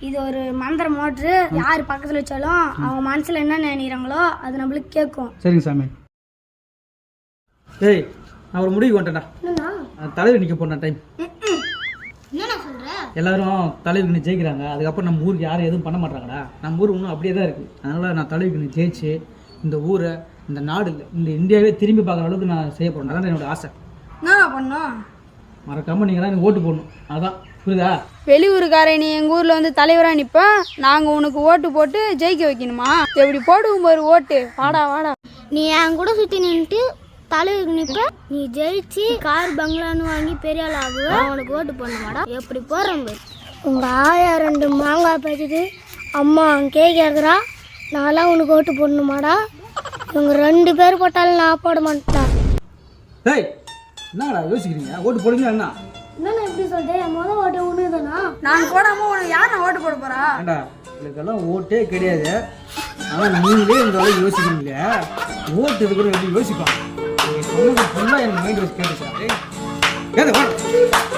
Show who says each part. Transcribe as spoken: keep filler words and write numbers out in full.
Speaker 1: இது ஒரு மந்திர மோட்ரு. யார் பக்கத்துல வச்சாலும் அவங்க மனசுல என்ன நினைக்கிறாங்களோ அது நம்மளுக்கு கேட்கும்.
Speaker 2: சரிங்க சாமி. ஏய் நான் ஒரு முடிவு கொண்டேன்டா. தலைவர் நிற்க போன டைம் எல்லாரும் தலைவிக்கு ஜெயிக்கிறாங்க. அதுக்கப்புறம் நம்ம ஊருக்கு யாரும் எதுவும் பண்ண மாட்டாங்கடா. நம்ம ஊர் இன்னும் அப்படியே தான் இருக்குது. அதனால் நான் தலைவிக்கு ஜெயிச்சு இந்த ஊரை, இந்த நாடு, இந்த இந்தியாவே திரும்பி பார்க்குற அளவுக்கு நான் செய்ய போகிறேன். அதான் என்னோட ஆசை.
Speaker 1: நான் பண்ணோம்.
Speaker 2: மறக்காமல் நீங்கள் தான் எனக்கு ஓட்டு போடணும். அதான் புரியுதா?
Speaker 3: வெளியூருக்கார நீ எங்கள் ஊரில் வந்து தலைவராக நிற்பேன். நாங்கள் உனக்கு ஓட்டு போட்டு ஜெயிக்க வைக்கணுமா? எப்படி போடுவோம் பாரு ஓட்டு. வாடா வாடா.
Speaker 1: நீ என் கூட சுற்றி நின்றுட்டு தலைவருக்கு நிற்ப. நீ ஜெயிச்சு கார் பங்களான்னு வாங்கி பெரிய ஆள் ஆகுவ. அவனுக்கு ஓட்டு போடணுமாடா? எப்படி போடுறோம் பாரு. உங்கள் ஆயா ரெண்டு மாங்காய் பேச்சுது. அம்மா கே கேட்குறா. நான்லாம் உனக்கு ஓட்டு போடணுமாடா? இவங்க ரெண்டு பேர் போட்டாலும் நான் போட மாட்டேன்.
Speaker 2: டேய் என்னடா யோசிக்கிறீங்க? ஓட்டு போடுங்க. என்ன
Speaker 1: என்னண்ணா எப்படி சொல்லிட்டேன்? முதல் ஓட்டு ஒன்று தானா?
Speaker 3: நான் போடாமல் உனக்கு யார் நான் ஓட்டு போட போகிறா?
Speaker 2: ஏண்டா இதுக்கெல்லாம் ஓட்டே கிடையாது. ஆனால் நீங்களே இந்த அளவுக்கு யோசிக்கிறீங்க. ஓட்டு இருக்கிற எப்படி யோசிப்பான்? சொன்னது ஃபுல்லாக எனக்கு மைண்ட் வாஷ் கேட்டுச்சா? ஏய்